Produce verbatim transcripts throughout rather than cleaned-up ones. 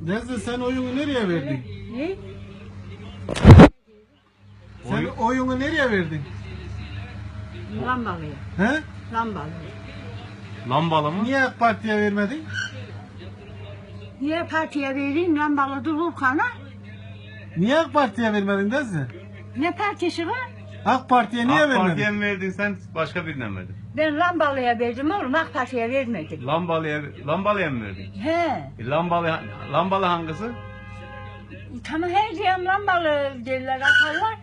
Nezle sen oyunu nereye verdin? Ne? Sen Oyun- oyunu nereye verdin? Lambalıya. He? Lambalıya. Lambalı mı? Niye AK Parti'ye vermedin? Niye partiye vereyim lambalı dururkana? Niye AK Parti'ye vermedin Nezle? Ne partisi var? AK Parti'ye niye AK Parti'ye vermedin? mi verdin sen başka birine mi verdin? Ben lambalıya verdim oğlum, AK Parti'ye vermedim. Lambalıya, lambalıya mı verdin? He. E, lambalı, lambalı hangisi? Tamam her diyen lambalı derler atarlar.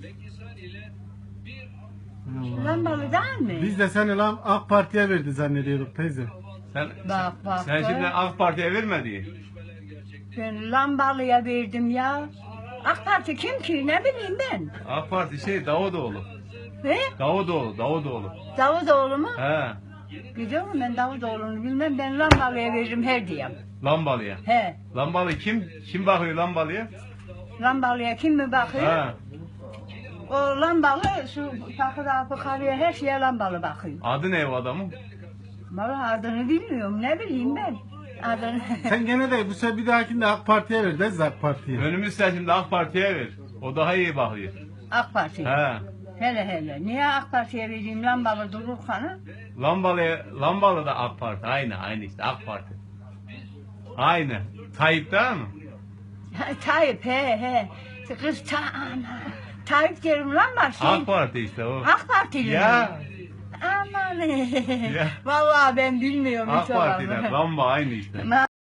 Lambalı değil mi? Biz de seni lan AK Parti'ye verdi zannediyorduk teyze. Sen, Bak bak. sen bak. şimdi AK Parti'ye vermedi. Ben lambalıya verdim ya. AK Parti kim ki ne bileyim ben. AK Parti şey Davutoğlu. He? Davutoğlu, Davutoğlu. Davutoğlu mu? He, Biliyor musun ben Davutoğlu'nu bilmem. Ben lambalıya veririm her diyem. lambalıya. He. Lambalı kim? Kim bakıyor lambalıya? Lambalıya kim mi bakıyor? He. O lambalı şu takıda fıkarıya her şeye lambalı bakıyor. Adı ne o adamın? Vallahi adını bilmiyorum ne bileyim ben. Adını. Sen gene de bu sefer bir dahakinde AK Parti'ye ver Nezle AK Parti'ye. Önümüz seçimde AK Parti'ye ver. O daha iyi bakıyor. AK Parti. He. Hele hele. Niye AK Parti'ye vereyim lambalı dururkanı? Lambalı, lambalı da AK Parti. Aynı, aynı işte AK Parti. Aynı. Tayyip değil mi? Tayyip he he. Kız ta ana. Tayyip derim lan bak şey. AK Parti işte o. AK Partili mi? Ya. Aman. Ya. Vallahi ben bilmiyorum AK hiç o Parti'den lafı. lamba aynı işte.